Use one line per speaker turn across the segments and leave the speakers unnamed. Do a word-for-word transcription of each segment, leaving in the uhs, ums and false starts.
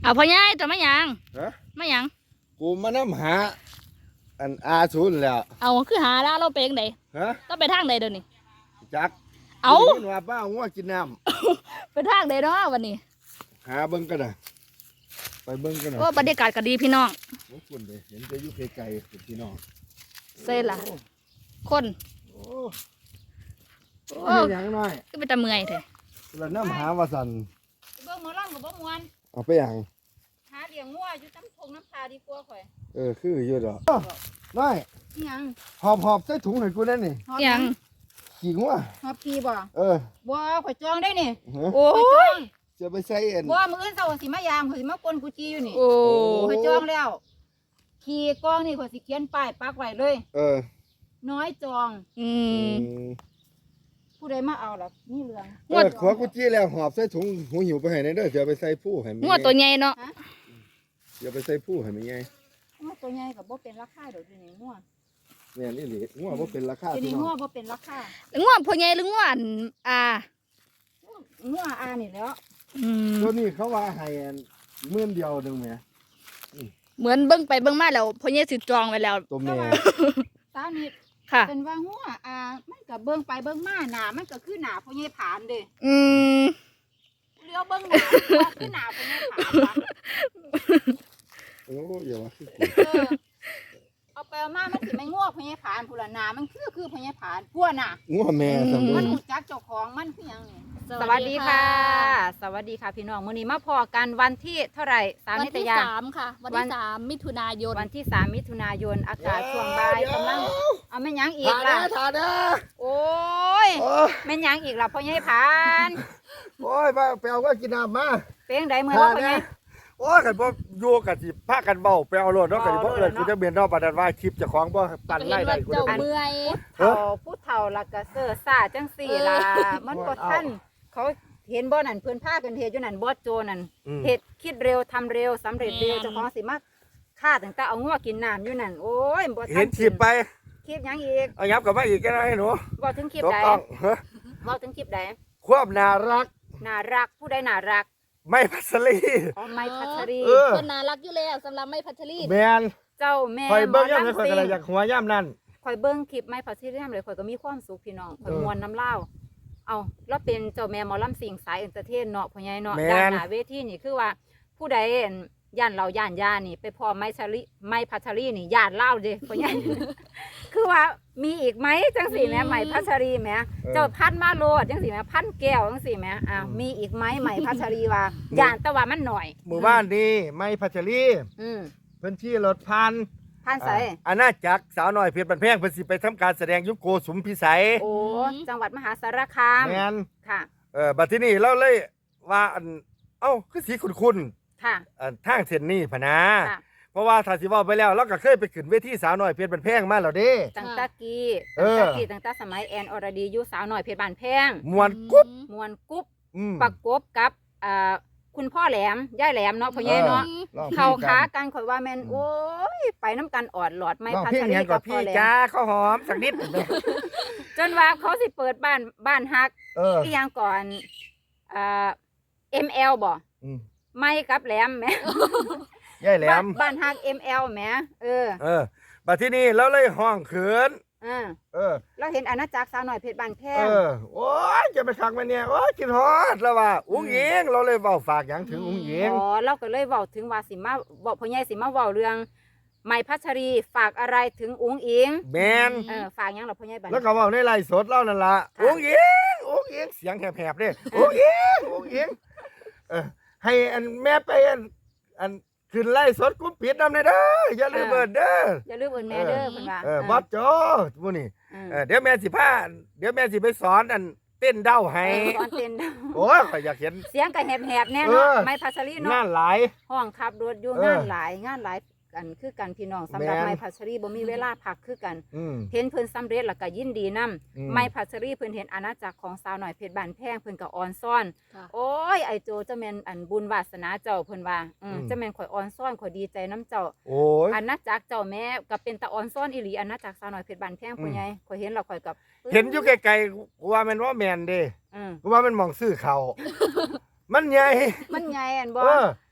เอาพ่อใหญ่แต่ไม่ยัง
ฮะ
ไม่ยัง
กูมานำหาอันอาศูนย์แล้ว
เอาคือหาแล้วเราไปยังไง
ฮะ
เราไปทางใดเดี๋ยวนี้
จัก
เอา
ได้ยินว่าป้างัวกินน้
ไปทางใดเนาะวันนี้
ำหาเบิ่งกันนะไปเบิ่งกันนะ
โอ้บรรยากาศก็ดีพี่น้อง
โอ้คุณเด้เห็นแต่อยู่ไกลๆเป็นพี่น้อง
เซ่ล่ะ คน
โอ้
โอ้
โอ้ยอย่างน้อย
ก็เป็นตะเมื่อยเถอะ
เราน้ำหาว่าสัน
เบิ่งหมอลำกับบ่มวน
เอาไปอย่าง
หาเลี้ยงงัวอยู่น้ำทงน้ำพาดีกว่าข่อย
เออคืออยู่ดอกน้อย
ยัง
หอบหอบใส่ถุงให้กูนั่นนี่
ยัง
ขี่งัว
ฮอบพีบ่
เออ
บ่ข่อยจองได้นี่
ฮะ
โอ้
ข่อยจอย ง
จะไปใส่เอ็น
บ่มื้ออื่นเช้าสิมายามข่อยสิมาปนกุจีอยู่นี่
โอ้
ข่อยจองแล้วขี่กองนี่ข่อยสิเขียนป้ายปักไว้เลย
เออ
น้อยจอง
อื
อื
ม
ม
ผู้ใดมาเอาล่ะนี่เรื่อง
เออขวกูจี้แล้วหอบใส่ถุงหูหิวไปให้ในเด้อจะไปใส่ผู้ให้มัน
งัวตัวใหญ่เนาะ
จะไปใส่ผู้ให้มันไง
งัวตัวใหญ่ก็บ่เป็นราคาดอกเดี๋ยวนี้งัว
เนี่ยนี่หลีงัวบ่เป็นราคา
เดี๋ยว
พี่
นี้
น้
งั
อ
ว
ง
บ่เป็นราคา
งัวพ่อใหญ่หรืองัวอันอ่า
งัวอานี่แหล้ว
อืม
ตัวนี้เขาว่าให้อันหมื่นเดียวหนึงแหม
เหมือนเบิ่งไปเบิ่งมาแล้วพ่อใหญ่สิจองไว้แล้ว
ตัวแม่
สาวนี่
ค่ะ
เป็นว่างัวอามันก็เบิ่งไปเบิ่งมาหน้ามันก็คือหน้าพ่อใหญ่ผานเด้
อืม
เลี้ยวเบิ่งหน้าว่าคือหน้าพ่อใหญ่ผานว่ะ
โอ้อย่าว่าคือกู
เออเอาไปเอามามันสิไม่งอกพญาผานผู้ละนามันคือคือพญาผานพวกน่ะ
งัวแม่สมบู
มัน
รณ์
หูจักเจ้าของมันคือหยังนี่
สวัสดีค่ะ
สวัสดีค่ะพี่น้องมื้อนี้มาพอกันวันที่เท่าไหร่สาม
วัน
นิต
ที่
ยา
สามค่ะ วัน
วั
ที่
น
สามมิถุนายน
วันที่สามมิถุนายนอากาศช่วงบ่ายกำลังเอาแม่นหยังอีก
ถ่า
ล่ะ
เด้อถ่าเด้อ
โอ้ย
โอ้ย
แม่นหยังอีกล่ะพ่อใหญ่ผาน
โอ้ยมาไปเอาก็กินน้ำมา
เป็นจังไดมื้อ
ถ่า
ละพ่อให
เด้
ญ่
อโอ้ยกันบ่อยู่กันสิพากันเบ้าไปเอารถเนาะกันสิบ่เอิ้นกูจะเบียนเนาะปานนั้นว่าคลิปเจ้าของบ่ปั่นไล่ได้กู
เจ้า
จะ
เมื่อย
เฒ่าผู้เฒ่าละก็เซ่อซ่าจังสี่ล่ะมันบ่ทันเขาเห็นบ่นั่นเพิ่นพากันเฮ็ดอยู่นั่นบอสโจนั่น
อืม
เฮ็ดคิดเร็วทำเร็วสำเร็จเร็วเจ้าของสิมาฆ่าตั้งแต่เอางัวกินน้ำอยู่นั่นโอ้ยบ่ทั
เห็นคลิปไป
คลิปหยังอีก
เอายับกลับมาอีกก็ได้หนู
บ่ถึงคลิป
ถูก
ใด
ต้องฮะ
บ่ถึงคลิปใด
ความน่ารัก
น่ารักผู้ใดน่ารัก
ไม่พัสลี
อ๋อไม้พัชรี
เออ
คนน่ารักอยู่แล้วสำหรับไม่พัชรี
แมน
เจ้าแม่
คอยเบิ้งย่ำ
ห
เลยคอย
ซิ่
กระอยากหัวย่ำนั่น
คอยเบิ่งคลิปไม้พัชรีย่ำเลยคอยก็มีความสุขพี่น้องคอย
เออ
มวนน้ำเล่าวเอาแล้วเป็นเจ้าแม่หมอลำสิงสายเอนเตอร์เทนเนาะพ่อใหญ่เนาะ
แม่น
ด้านหน้าเวทีนี่คือว่าผู้ใดอั่นย่านเราย่านยานี่ ไปพอไม้ชลีไม้พัชรีนี่ย่านเล่าเด้พ่อใหญ่ คือว่ามีอีกไหมจังสี่แหม่ไหมพัชรีแหม่เจ้าพันมาโลดจังสี่แหม่พันแก้วจังสี่แหม่อ้าวมีอีกไหมไหมพัชรีว่าย่านแต่ว่ามันหน่อย
หมู่บ้านนี้ไม่พัชรี
อืม
เพื้นที่รถพัน
พันใส
อาณาจักรสาวน้อยเพชรบันแพงเพิ่นสิไปทำการแสดงยุคโกสุมพิสัย
โอ้จังหวัดมหาสารคาม
แมน
ค่ะ
เออบัดที่นี่เราเลยว่าอันเอ้าคือสีคุ้น
ค่ะ
ๆอันทางเส้นนี้พะนะ
ค่ะ
เพราะว่าถ้าสิเว้าไปแล้วเราก็เคยไปขึ้นเวทีสาวน้อยเพชรบันแพงมาแล้วเด้
ตั้งแตะกี้
เอ
ตั้ง
อ
แตะกี้ตั้งแต่สมัยแอนอรดีอยู่สาวหน่อยเพชรบานแพง
มวนกุ๊บ
มวนกุ๊บ
อืม
ประกบกับอ่าคุณพ่อแหลมย่ายแหลมเนาะพ่อใหญ่เนาะ
ร้องพลง
เข้า
กั
ขาน กันข่อยว่าแม่นโอ้ยไปน้ำกันออดหลอดไม่
ร้อง
พั
เพล
ช
ง
รี
หยัง
กั
กั
บบ พ่
พี่
อแหล
จ้าม ข้าวหอมสักนิด
จนว่าเขาสิเปิดบ้านบ้านฮัก
เออ
อีหยังก่อนอ่า เอ็ม แอล บ่
อืม
ไม่กับแหลมแหม
ยายแหล
บ้าน
ม
บ้านฮัก เอ็ม แอล แหมเออ
เออบัดที่นี่เราเลยห้องเขิน
อ่า
เออ
เราเห็นอาณาจักรสาวหน่อยเพชรบานแพ
เอง อ โอ้ยจะไปคักมาเนี่ย โอ้ยกินฮอดแล้วว่า อุ้งเองเราเลยเว้าฝากหยังถึงอุ้งเอง
อ๋อเราก็เลยเว้าถึงว่าสิมาเว้าพ่อใหญ่สิมาเว้าเรื่องไม้พัชรีฝากอะไรถึงอุ๋งอิง
แมน
เออฝากหยังล่ะพ่อใหญ่บัด
แล้วก็เว้าในไลฟ์สดเรานั่นล่ะ
ค่ะ
อุ้งเองอุ้งเองเสียงแหบๆเด้อุ้งเองอุ้งเองเออ ให้อันแม่ไปอัน อันขึ้นไลฟ์สดกุ้มปิดนำในเด้อ อย่าลืมเบิดเด้อ
อย่าลืมเอิ้นแม่เด้อเพิ่นว่า
เออบอสโจผู้นี่
เออ
เออเดี๋ยวแม่สิพาเดี๋ยวแม่สิไปสอนอันเต้นเด้าให้
เออตอนเต้น
โอ้ยข้อยอยากเห็น
เสียงก็แหบๆแน่
เอ
เนาะ
อ
ไม้พัชรี
งา
เนาะ
นหลาย
ห้องขับรถอยู่
เออ
งานหลายงานหลายกันคือกันพี่น้องสำหรับ
แม่น
ไม้พัชรีบ่มีเวลาพักคือกัน
อืม
เห็นเพิ่นสำเร็จแล้วก็ยินดีนํ
อืม
ไม้พัชรีเพิ่นเห็นอาณาจักรของสาวหน่อยเพชรบานแพงเพิ่นก็อ่อนซ่อน
ค่ะ
โอ้ยไอโจเจ้าแม่นอันบุญวาสนาเจ้าเพิ่นว่าอืม
อืม
เจ้าแม่นข่อยอ่อนซ่อนข่อยดีใจน้ำเจ้า
โอ้ย
อาณาจักรเจ้าแม่ก็เป็นตาอ่อนซ่อนอีหลีอาณาจักรสาวน้อยเพชรบานแพง
อืม
พ่อใหญ่ข่อยเห็นแล้วข่อยกับ
เห็นอยู่ไกลๆกูว่ามันว่าแมนเด้
อืม
กูว่ามันมองซื้อเขา มันใหญ่
มันใหญ่อันบ่
เออ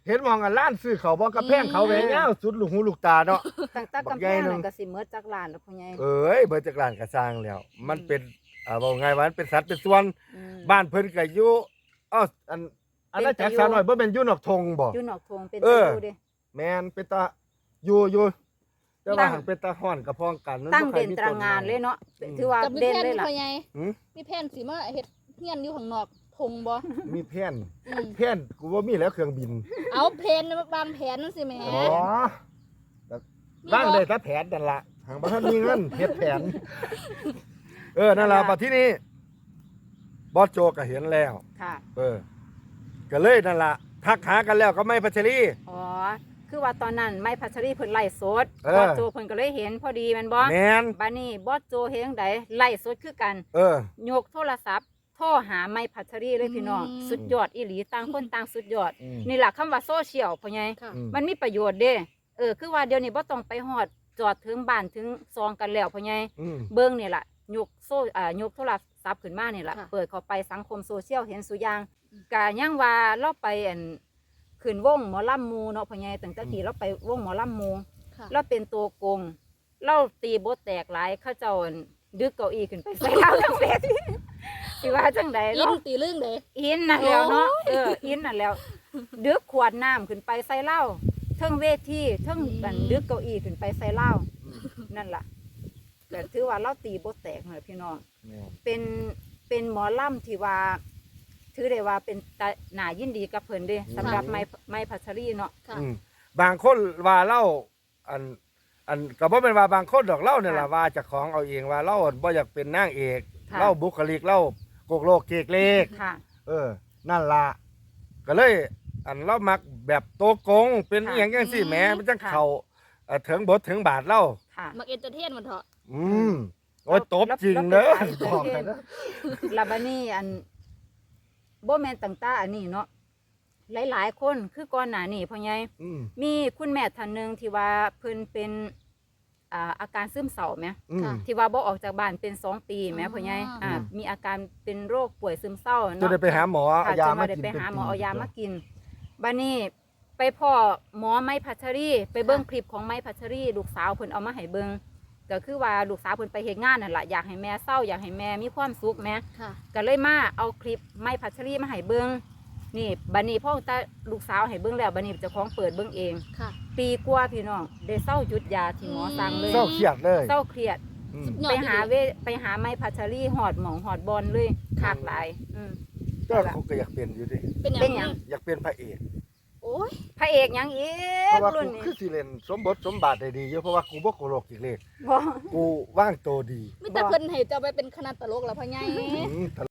เห็นมองกันล้านซื้อเขาบ่กระแพงเขาแหวนยาวสุดลูกหูลูกตาเนาะ
ตั้งแต่
บัก
กำ
ใหญ่
แพง
หนึ่
นั่
ง
นก็สิเมิดจักล้านแล้วพ่อใหญ่
เอ้ยเบิดจากร้านก็สร้างแล้ว มันเป็นอ่าว่าไงว่ามันเป็นสัตว์เป็นส่วน
อืม
บ้านเพิ่นก็อยู่อ้ออันอันนั้นจักสาวน้อยบ่แม่นอยู่นอกทงบ่
อยู่นอกทงเป็น
เอ
ตะ
อ
ยูเด้
แม่นเป็นตาอยู่อยู่แต่
ตั้
ว่าง หันเป็นตาฮ้อนกับพ้องกันมัน
ตั้ง
บ่ค่อย
เด่น
มี
ตรางงานเลยเนาะ
อืม
ถือว่า
กับมี
เด่น
แผน
เลย
ที่
ล่ะ
พ่อใหญ่
หือ
มีแผนสิมาเฮ็ดเฮียนอยู่ข้างนอกทงบ่
มีแผ่น
อืม
แผ่นกูว่ามีแล้วเครื่องบิน
เอาแผนวางแผนนั่นสิแหม
อ๋อบ้างได้แต่แผนนั่นล่ะหางบ่ทันมีเงินเฮ็ดแผน เออนั่นล่ะบัดที่นี้บอสโจก็เห็นแล้ว
ค่ะ
เออ ก็เลยนั่นล่ะทักหากันแล้วก็ไม่พัชรี
อ๋อคือว่าตอนนั้นไม้พัชรีเพิ่นไล่สด
เออ
บอสโจเพิ่นก็เลยเห็นพอดีแมันบ่
แมน
บัดนี้บอสโจเฮ็ดจังไดไล่สดคือกัน
เออ
ยกโทรศัพท์โทรหาไม้พัชรีเลยพี่น้อง
อืม
สุดยอดอีหลีต่างคนต่างสุดยอด
อืม
นี่แหละคำว่าโซเชียลพ่อใหญ่
ค่ะ
อืม
มันมีประโยชน์เด้เออคือว่าเดี๋ยวนี้บ่ต้องไปฮอดจอดถึงบ้านถึงซองกันแล้วพ่อใหญ่
อืม
เบิ่งนี่ล่ะยกโซอ่ายกโทรศัพท์ขึ้นมานี่ล่ะ
ค่ะ
เปิดเข้าไปสังคมโซเชียลเห็นสุอย่างก็ยังว่าเราไปอันขึ้นวงหมอลำหมูเนาะพ่อใหญ่ตั้งแต่ที่เราไปวงหมอลำหมู
ค่ะ
เราเป็นตัวโกงเราตีบทแตกหลายเขาเจ้าอั่นดึกเก้าอี้ขึ้นไปใส่เราทั้งเวที สิว่าจังใด
อิน
เนาะ
ตีเรื่องเด้
อินนั่นแล้วเนาะเอออินนั่นแล้วดึกขวดน้ำขึ้นไปใส่เหล้าเทิงเวทีเทิงอันดึกเก้าอี้ขึ้นไปใส่เหล้านั่นล่ะก็ถือว่าเราตีบทแตกเหรอพี่น้อง
แม่น
เป็นเป็นหมอลำที่ว่าถือได้ว่าเป็นตาหนายินดีกับเพิ่นเด้สำหรับไม้ไม้พัชรีเนาะ
ค่ะ
อืมบางคนว่าเล่าอัน อันก็บ่เป็นว่าบางคนดอกเล่าเนี่ยล่ะ
ค่ะ
ว่าเจ้าของเอาเองว่าเล่าบ่อยากเป็นนางเอก
ค่ะ
เล่าบุคลิกเล่าโกกโลกเกกเลก
ค่ะ
เออ นั่นล่ะก็เลย อันเรามักแบบโตกง เป็นอ
ค่ะ
หย่างจังซี่แหมมันจัง
ค่ะ
เข้าเอ่อถึงบทถึงบาทเล่า
ค่ะ
มักเอนเตอร์เทนมันเถอะ
อืมโอ้ย
แล้ว
ตบจริง
แล้ว
เด้อ
แล้วเป็น
บอก
สาย
กันนะ
ลาบานี่อันบ่แม่นต่างๆอันนี้เนาะหลายๆคนคือก่อนหน้านี้พ่อใหญ่
อืม
มีคุณแม่ท่านหนึงที่ว่าเพิ่นเป็นอ่าอาการซึมเศร้าไหม
อืม
ค่ะ
ที่ว่าบ่ออกจากบ้านเป็นสองปีแหม
อ๋อ
พ่อใหญ่อ่า
อืม
มีอาการเป็นโรคป่วยซึมเศร้า
จะ
เนาะ
ได้ไปหาหมอเอา
ค่ะ
ยา
จน
มา
ว่าได้
กิน
ไป
เป็น
หาหมอ
ปี
เอายา
ตัว
มากินบัดนี้ไปพ่อหมอไม้พัชรีไปเบิ่งคลิปของไม้พัชรีลูกสาวเพิ่นเอามาให้เบิ่งก็คือว่าลูกสาวเพิ่นไปเฮ็ดงานนั่นล่ะอยากให้แม่เศร้าอยากให้แม่มีความสุขแหม
ค่ะ
ก็เลยมาเอาคลิปไม้พัชรีมาให้เบิ่งนี่บัดนี้พ่อตาลูกสาวให้เบิ่งแล้วบัดนี้เจ้าของเปิดเบิ่งเอง
ค่ะ
ปีกว่าพี่น้องได้เศร้าหยุดยาที่หมอสั่งเลย
เศร้าเครียดเลย
เศร้าเครียด
อืม
ยอด
ไปหา
ดี
เวไปหาไม้พัชรีหอดหมองหอดบอลเลยคากหลายอืม
ก็เขาก็อยากเป็นอยู่ดิ
เป็นหยัง
เป็นหยัง
อยากเป็นพระเอก
โอ้ย
พระเอกหยังอี
เพ
ก
ราะว่า
รุ่
กู
นนี้
คือสิเล่นสมบทสมบาทได้ดีอยู่เพราะว่ากูบ่โกโลกอีกเลย
บ่
กูว่างตัวดี
มีแต่เพิ่นให้เจ้าไปเป็นคณะตลกแล้วพ่อใหญ่
อืม